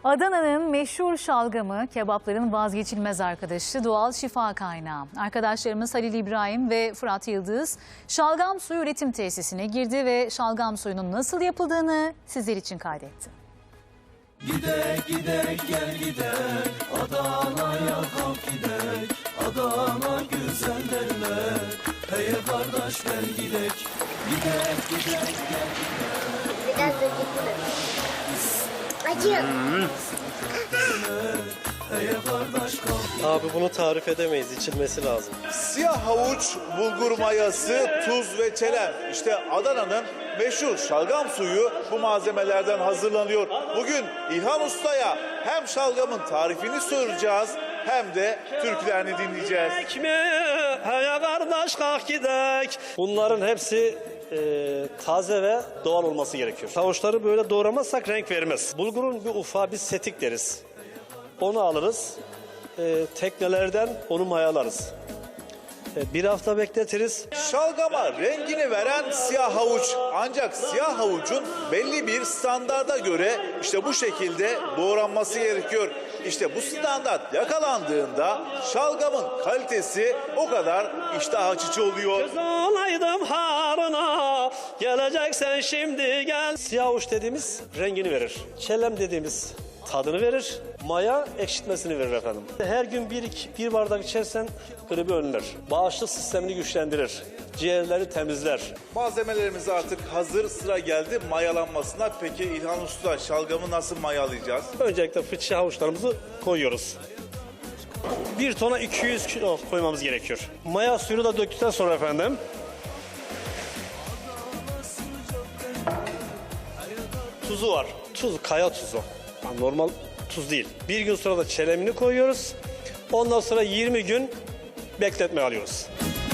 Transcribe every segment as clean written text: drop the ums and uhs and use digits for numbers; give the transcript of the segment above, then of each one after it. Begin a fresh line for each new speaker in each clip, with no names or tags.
Adana'nın meşhur şalgamı kebapların vazgeçilmez arkadaşı, doğal şifa kaynağı. Arkadaşlarımız Halil İbrahim ve Fırat Yıldız şalgam suyu üretim tesisine girdi ve şalgam suyunun nasıl yapıldığını sizler için kaydetti.
Gidek gidek gel gidek, Adana'ya kalk gidek, Adana güzel derler. Hey kardeş gel gidek, gidek gidek gel gidek.
Biraz acı.
Hey kardeş kalk.
Abi bunu tarif edemeyiz, içilmesi lazım.
Siyah havuç, bulgur mayası, tuz ve çelem. İşte Adana'nın meşhur şalgam suyu bu malzemelerden hazırlanıyor. Bugün İlhan Usta'ya hem şalgamın tarifini soracağız hem de türkülerini dinleyeceğiz.
Hey kardeş kalk gidek. Bunların hepsi taze ve doğal olması gerekiyor. Havuçları böyle doğramazsak renk vermez. Bulgurun bir ufağı biz setik deriz. Onu alırız. Teknelerden onu mayalarız. Bir hafta bekletiriz.
Şalgama rengini veren siyah havuç. Ancak siyah havucun belli bir standarda göre işte bu şekilde doğranması gerekiyor. İşte bu standart yakalandığında şalgamın kalitesi o kadar iştah açıcı oluyor.
Olaydım harına, geleceksen şimdi gel. Siyah havuç dediğimiz rengini verir. Çelem dediğimiz tadını verir. Maya ekşitmesini verir efendim. Her gün bir bardak içersen gribi önler. Bağışıklık sistemini güçlendirir. Ciğerleri temizler.
Malzemelerimiz artık hazır, sıra geldi mayalanmasına. Peki İlhan Usta, şalgamı nasıl mayalayacağız?
Öncelikle fıçı havuçlarımızı koyuyoruz. 1 tona 200 kilo koymamız gerekiyor. Maya suyunu da döktükten sonra efendim tuzu var. Tuz, kaya tuzu. Yani normal tuz değil. Bir gün sonra da çelemini koyuyoruz. Ondan sonra 20 gün bekletme alıyoruz.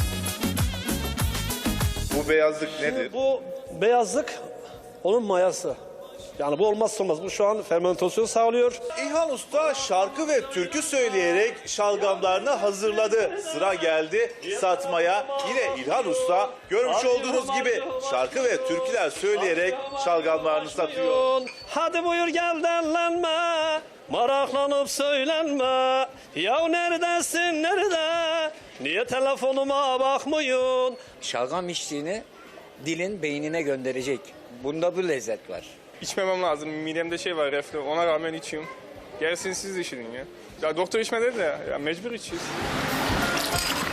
Bu beyazlık nedir?
Bu beyazlık onun mayası. Yani bu olmazsa olmaz. Bu şu an fermentasyon sağlıyor.
İlhan Usta şarkı ve türkü söyleyerek şalgamlarını hazırladı. Sıra geldi satmaya. Yine İlhan Usta görmüş olduğunuz gibi şarkı ve türküler söyleyerek şalgamlarını satıyor.
Hadi buyur gel derlenme, maraklanıp söylenme. Ya neredesin nerede? Niye telefonuma bakmıyorsun?
Şalgam içtiğini dilin beynine gönderecek. Bunda bu lezzet var.
İçmemem lazım. Midemde şey var, reflü. Ona rağmen içiyorum. Gerisini siz de için ya. Ya doktor içme dedi ya. Ya mecbur içiyoruz.